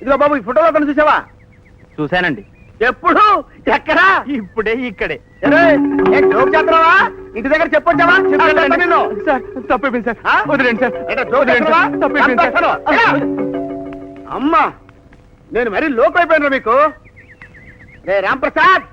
ఇదిగో బాబు, ఈ ఫోటోలో అతను చూసావా? చూశానండి. ఎప్పుడు? ఎక్కడా? ఇప్పుడే ఇక్కడే. జోక్ చేస్తున్నావా? ఇంటి దగ్గర చెప్పొచ్చావా? సార్ తప్పైపోయింది సార్, ఆ? వదిలేండి సార్. జోక్ చేస్తున్నావా? తప్పైపోయింది సార్. అమ్మా, నేను మరీ లోపు అయిపోయినా మీకు. రే రాంప్రసాద్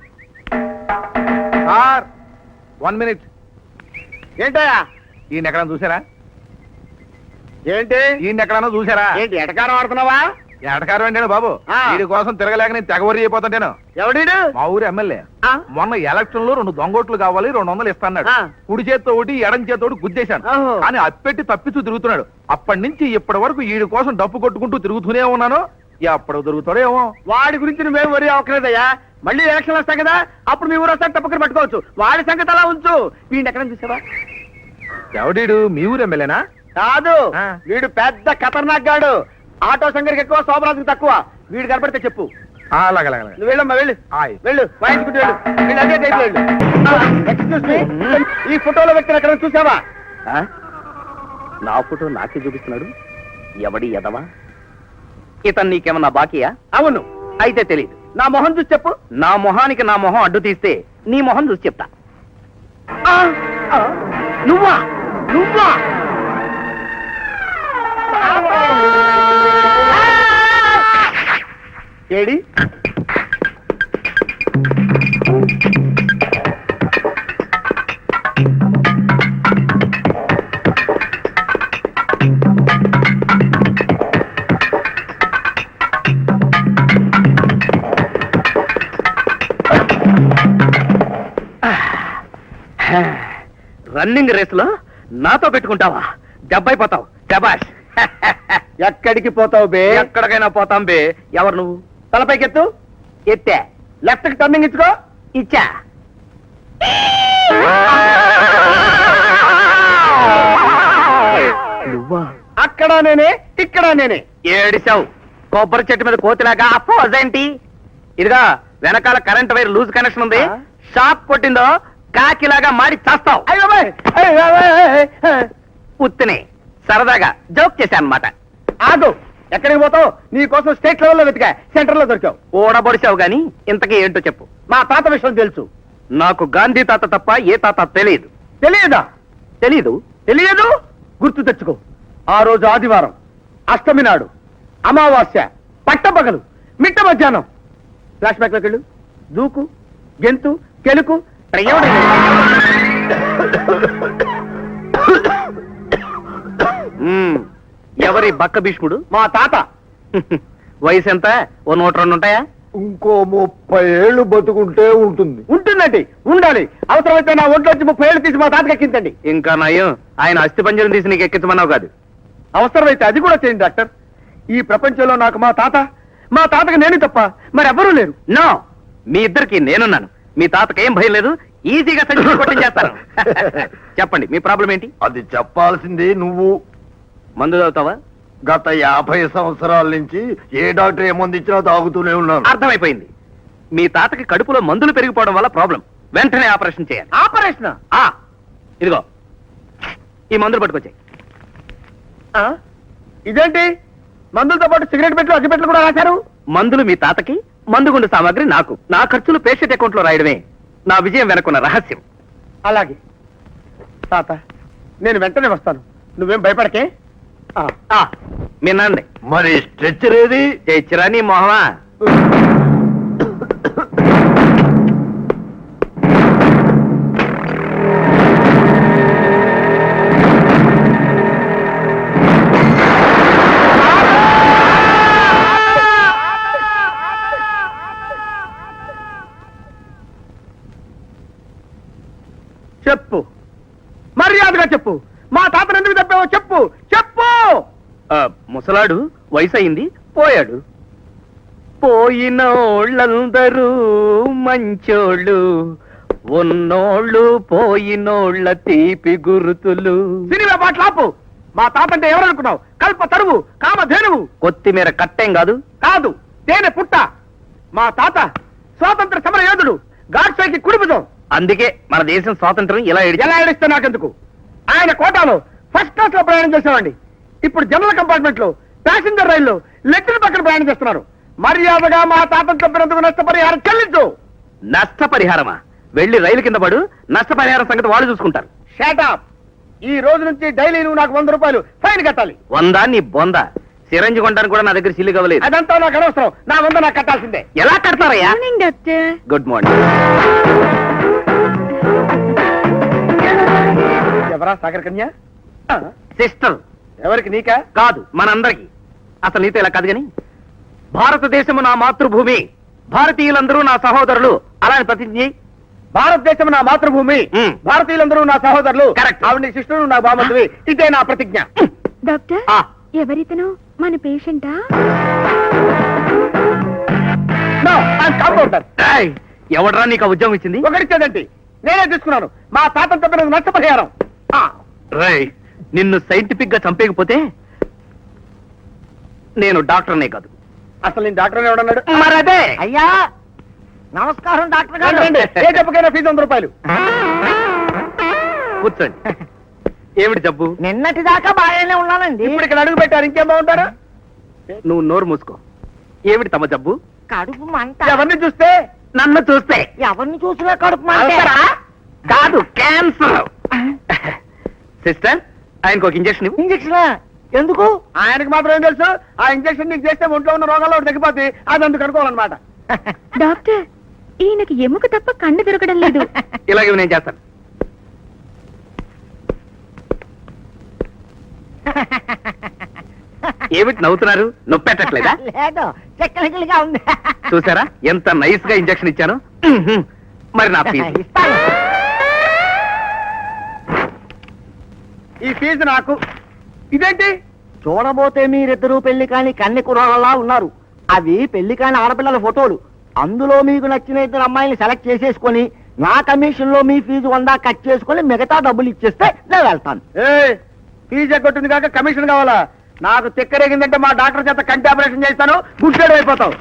సార్ 1 minute. ఏంటయ్యా? ఈయన ఎక్కడన్నా చూసారా? ఏంటి ఈయన ఎక్కడన్నా చూసారా? ఏంటి ఎటకారం ఆడుతున్నావా? ఎడకారం ఏంటాడు బాబు, ఆ. వీడి కోసం తిరగలేక నేను తెగవరి అయిపోతాను. ఎవడీడు? మా ఊరు ఎమ్మెల్యే ఆ? మొన్న ఎలక్షన్ లో 2 దొంగోట్లు కావాలి, 200 ఇస్తాడు. ఆ. కుడి చేత్తో ఒకటి ఎడం చేత్తో ఒకటి గుద్దేశాను. ఓహో. కానీ అప్పెట్టి తప్పిస్తూ తిరుగుతున్నాడు. అప్పటి నుంచి ఇప్పటి వరకు వీడి కోసం డప్పు కొట్టుకుంటూ తిరుగుతూనే ఉన్నాను. ఎప్పుడు దొరుకుతాడో ఏమో. వాడి గురించి నువ్వేం వరి అవ్వలేదయ్యా. మళ్ళీ ఎలక్షన్ వస్తాయి కదా, అప్పుడు మీ ఊరు వస్తాను తప్పకని పట్టుకోవచ్చు. వాడి సంగతి అలా ఉంచు. వీడిని ఎక్కడ చూసావా? ఎవడీడు? మీ ఊరు ఎమ్మెల్యేనా? కాదు, ఆ. వీడు పెద్ద ఖతర్నాక్ గాడు. ఆటో సంగరికి ఎక్కువ, శోభరాజుకి తక్కువ. వీడు కనపడితే చెప్పు. అలాగే నువ్వు వెళ్ళమ్మా, వెళ్ళు. ఆయ్. వెళ్ళు, వాయించుకుంటూ వెళ్ళు. వీళ్ళు అదే టైప్ వెళ్ళు. ఎక్స్క్యూజ్ మీ, ఈ ఫోటోలో వ్యక్తిని ఎక్కడ చూసావా? నా ఫోటో నాకే చూపిస్తున్నాడు. ఎవడి ఎదవా? ఇతను నీకేమన్నా బాకీయా? అవును. అయితే తెలియదు. నా మొహం చూసి చెప్పు. నా మొహానికి నా మొహం అడ్డు తీస్తే నీ మొహం చూసి చెప్తా. ఆ, ఆ, నువ్వా? నువ్వా? ఏడి? రన్నింగ్ రేసులో నాతో పెట్టుకుంటావా? దెబ్బైపోతావు. శబాష్. ఎక్కడికి పోతావు బే? ఎక్కడికైనా పోతాం బే. ఎవరు నువ్వు? తలపైకెత్తు. ఎత్తే. లెఫ్ట్ కి టర్నింగ్ ఇచ్చుకో. ఇచ్చా. నువ్వా? అక్కడ నేనే, ఇక్కడ నేనే. ఏడిసావు. కొబ్బరి చెట్టు మీద కోతిలాగా అపోజేంటి? ఇదిగా వెనకాల కరెంట్ వైర్ లూజ్ కనెక్షన్ ఉంది. ఆ? షాక్ కొట్టిందో కాకిలాగా మాడి చేస్తావు. అయ్యో బాయ్, అయ్యో బాయ్. ఉత్తినే సరదాగా జోక్ చేశాను అన్నమాట. ఆగు. ఎక్కడికి పోతావు? నీ కోసం స్టేట్ లెవెల్లో వెతికా, సెంటర్ లో దొరికావు. ఓడబొడిచావు గాని ఇంతకీ ఏంటో చెప్పు. మా తాత విషయం తెలుసు. నాకు గాంధీ తాత తప్ప ఏ తాత తెలియదు. తెలియదా? తెలీదు. తెలియదు? గుర్తు తెచ్చుకో. ఆ రోజు ఆదివారం, అష్టమి నాడు, అమావాస్య, పట్టపగలు, మిట్ట మధ్యాహ్నం. ఫ్లాష్ బ్యాక్ లోకి వెళ్ళు. దూకు, గెంతు, కెలుకు. ఎవరి బక్క భీష్ముడు? మా తాత. వయసు ఎంత? ఓ 102 ఉంటాయా? ఇంకో 30 ఏళ్ళు బతుకుంటే ఉంటుంది. ఉంటుందండి, ఉండాలి. అవసరమైతే నా ఒంట్లో వచ్చి 30 ఏళ్ళు తీసి మా తాతకి ఎక్కించండి. ఇంకా నయం, ఆయన అస్థి పంజరం తీసి నీకు ఎక్కించమన్నావు కాదు. అవసరమైతే అది కూడా చేయండి డాక్టర్. ఈ ప్రపంచంలో నాకు మా తాతకి నేను తప్ప మరెవ్వరూ లేరు. నో, మీ ఇద్దరికి నేనున్నాను. మీ తాతకి ఏం భయం లేదు. ఈజీగా సంచి కొట్టించేస్తాను. చెప్పండి, మీ ప్రాబ్లం ఏంటి? అది చెప్పాల్సింది నువ్వు. మందు తాగుతావా? గత 50 సంవత్సరాల నుంచి ఏ డాక్టర్ ఏ మందు ఇచ్చినా తాగుతూనే ఉన్నాను. అర్థమైపోయింది. మీ తాతకి కడుపులో మందులు పెరిగిపోవడం వల్ల ప్రాబ్లం. వెంటనే ఆపరేషన్ చేయాలి. ఆపరేషన్? ఇదిగో ఈ మందులు పట్టుకొచ్చాయి. ఇదేంటి? మందులతో పాటు సిగరెట్ పెట్లు, అగ్గిపెట్లు కూడా రాశారు. మందులు మీ తాతకి, మందుగుండు సామాగ్రి నాకు. నా ఖర్చులు పేషెంట్ అకౌంట్ లో రాయడమే నా విజయం వెనకున్న రహస్యం. అలాగే తాత, నేను వెంటనే వస్తాను. నువ్వేం భయపడకే. మీ నాన్నే మరి స్ట్రెచ్చర్ ఏది? చేయించరా నీ మొహమా? చెప్పు, మర్యాదగా చెప్పు. మా తాతను ఎందుకు తప్పావో చెప్పు. చెప్పు. ముసలాడు వయసు అయింది, పోయాడు. పోయినోళ్ళందరూ మంచోళ్ళు, ఉన్నోళ్ళు పోయినోళ్ళ తీపి గుర్తులు. సినిమా పాటలు ఆపు. మా తాత అంటే ఎవరనుకున్నావు? కల్ప తరువు, కామధేనువు. కొత్తిమీర కట్టేం కాదు. కాదు, తేనె పుట్ట. మా తాత స్వాతంత్ర సమర యోధుడు, గాడ్సేకి కుడిపుజం. అందుకే మన దేశం స్వాతంత్రం ఇలా ఎలా ఏడిస్తే నాకెందుకు? ఆయన కోటాలో ఫస్ట్ క్లాస్ లో ప్రయాణం చేసేవాడిని. ఇప్పుడు జనరల్ కంపార్ట్మెంట్ లో, ప్యాసింజర్ రైల్లో లెక్కల పక్కన ప్రయాణం చేస్తున్నారు. మర్యాదగా మా తాతను చంపినందుకు నష్టపరిహారం చెల్లించు. నష్టపరిహారమా? వెళ్ళి రైలు కింద పడు, నష్టపరిహారం సంగతి వాళ్ళు చూసుకుంటారు. షాటాప్. ఈ రోజు నుంచి డైలీ నువ్వు నాకు 100 రూపాయలు ఫైన్ కట్టాలి. 100 నీ బొంద. సిరంజి కొనడానికి కూడా నా దగ్గర సిల్లు కవ్వలేదు. అదంతా నాకు అనవసరం. నా 100 నాకు కట్టాల్సిందే. ఎలా కడతారయ్యా? Good morning. ఎవరా సాగర్ కన్య? సిస్టర్. ఎవరికి? నీకా? కాదు, మనందరికి. అసలు నీతో ఇలా కాదు గాని, భారతదేశము నా మాతృభూమి, భారతీయులందరూ నా సహోదరులు అలా అని ప్రతిజ్ఞ చేయి. భారతదేశం నా మాతృభూమి, భారతీయులందరూ నా సహోదరులు. Correct. ఆవిడ నీ శిష్యుడు, నా బామతువి. ఇదే నా ప్రతిజ్ఞ. డాక్టర్, ఆ, ఎవరితను? మన పేషెంటా? No, I'm compounder. ఏయ్, ఎవడ్రా నీకు ఆ ఉద్యోగం ఇచ్చింది? ఒకరిచ్చేదండి, నేనే తీసుకున్నాను. మా తాతను తప్పినందుకు నష్టపరిహారం. రేయ్, నిన్ను సైంటిఫిక్ గా చంపేయకపోతే నేను డాక్టర్నే కాదు. అసలు నేను డాక్టర్ ఎవడన్నాడు? మరదే. అయ్యా నమస్కారం డాక్టర్ గారు. ఏ జబ్బుకైనా ఫీజు 100 రూపాయలు. కూర్చోండి. ఏమిటి జబ్బు? నిన్నటి దాకా బాగానే ఉన్నానండి. ఇప్పుడు ఇక్కడ అడుగు పెట్టారు, ఇంకేం బాగుంటారా? నువ్వు నోరు మూసుకో. ఏమిటి తమ జబ్బు? కడుపు మంట. ఎవరిని చూస్తే? నన్ను చూస్తే. ఎవరిని చూసినా కడుపు మంట. అల్సరా? కాదు, క్యాన్సర్. సిస్టర్, ఆయనకు ఒక ఇంజక్షన్ ఇవ్వు. ఇంజక్షన్ ఎందుకు? ఆయనకి మాత్రం ఏం తెలుసు? ఆ ఇంజక్షన్ నీకు చేస్తే ఒంట్లో ఉన్న రోగాల్లో ఒకటి తగ్గిపోతే అది అందుకు అనుకోవాలన్నమాట. డాక్టర్, ఈయనకి ఎముక తప్ప కన్ను దొరకడం లేదు. ఇలాగే నేను చేస్తాను. ఏమిటి నవ్వుతున్నారు? నొప్పెట్టట్లేదా? లేదు, టెక్నికల్ గా ఉంది. చూసారా ఎంత నైస్ గా ఇంజక్షన్ ఇచ్చాను. మరి నా ఫీజు? ఇస్తాను. ఈ ఫీజు నాకు. ఇదేంటి? చూడబోతే మీరిద్దరూ పెళ్లి కాని కన్నె కుర్రాళ్ళలా ఉన్నారు. అవి పెళ్లి కాని ఆడపిల్లల ఫోటోలు. అందులో మీకు నచ్చిన 2 అమ్మాయిని సెలెక్ట్ చేసేసుకొని నా కమిషన్ లో మీ ఫీజు 100 కట్ చేసుకొని మిగతా డబ్బులు ఇచ్చేస్తే నేను వెళ్తాను. ఫీజు ఎగ్గొట్టింది కాక కమిషన్ కావాలా? నాకు తెక్కరేగిందంటే మా డాక్టర్ చేత కంటి ఆపరేషన్ చేస్తాను, గుడ్డేడు అయిపోతావు.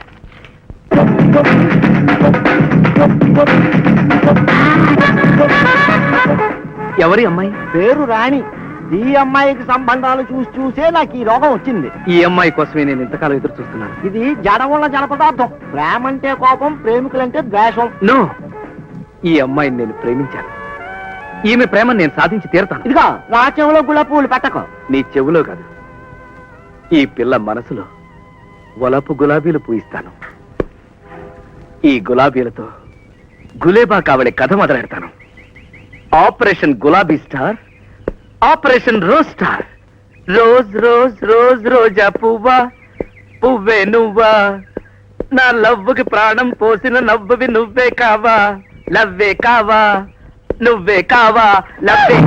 ఎవరి అమ్మాయి? పేరు రాణి. ఈ అమ్మాయికి సంబంధాలు చూసే నాకు ఈ రోగం వచ్చింది. ఈ అమ్మాయి కోసమే నేను ఇంతకాలం ఎదురు చూస్తున్నాను. ఇది జడముల జనపదార్థం. ప్రేమంటే కోపం, ప్రేమికులంటే ద్వేషం. నో, ఈ అమ్మాయిని నేను ప్రేమించాను. ఈమె ప్రేమను నేను సాధించి తీరుతాను. ఇదిగో నా చెవులో గులాబీ పూలు పెట్టకు. నీ చెవులో కాదు, ఈ పిల్ల మనసులో వలపు గులాబీలు పూయిస్తాను. ఈ గులాబీలతో గులేబా కావడే కథ మొదలెడతాను. ఆపరేషన్ గులాబీ star, operation rose star. Rose rose rose రోజా పువ్వా, పువ్వే నువ్వా, నా లవ్వుకి ప్రాణం పోసిన నవ్వువి నువ్వే కావా, లవ్వే కావా, నువ్వే కావా, లవ్వే.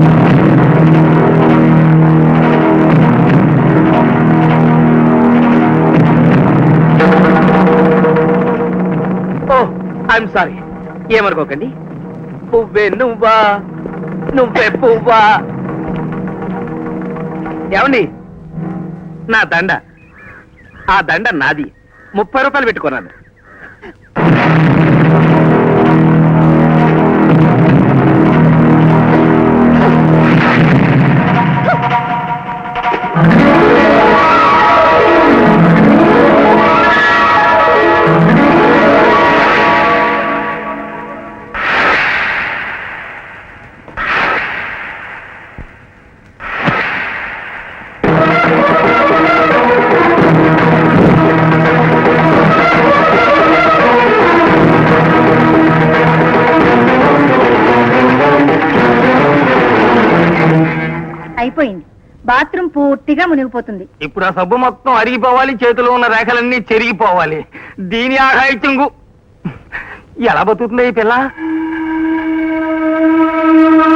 ఓ, ఐఎమ్ సారీ, ఏమనుకోకండి. పువ్వే నువ్వా, నువ్వే పువ్వా. ఏమండి, నా దండ, ఆ దండ నాది. 30 రూపాయలు పెట్టుకున్నాను. అయిపోయింది. బాత్రూమ్ పూర్తిగా మునిగిపోతుంది. ఇప్పుడు ఆ సబ్బు మొత్తం అరిగిపోవాలి, చేతిలో ఉన్న రేఖలన్నీ చెరిగిపోవాలి. దీని ఆఘాయిత్యంగు ఎలా బతుకుతుంది ఈ పిల్ల?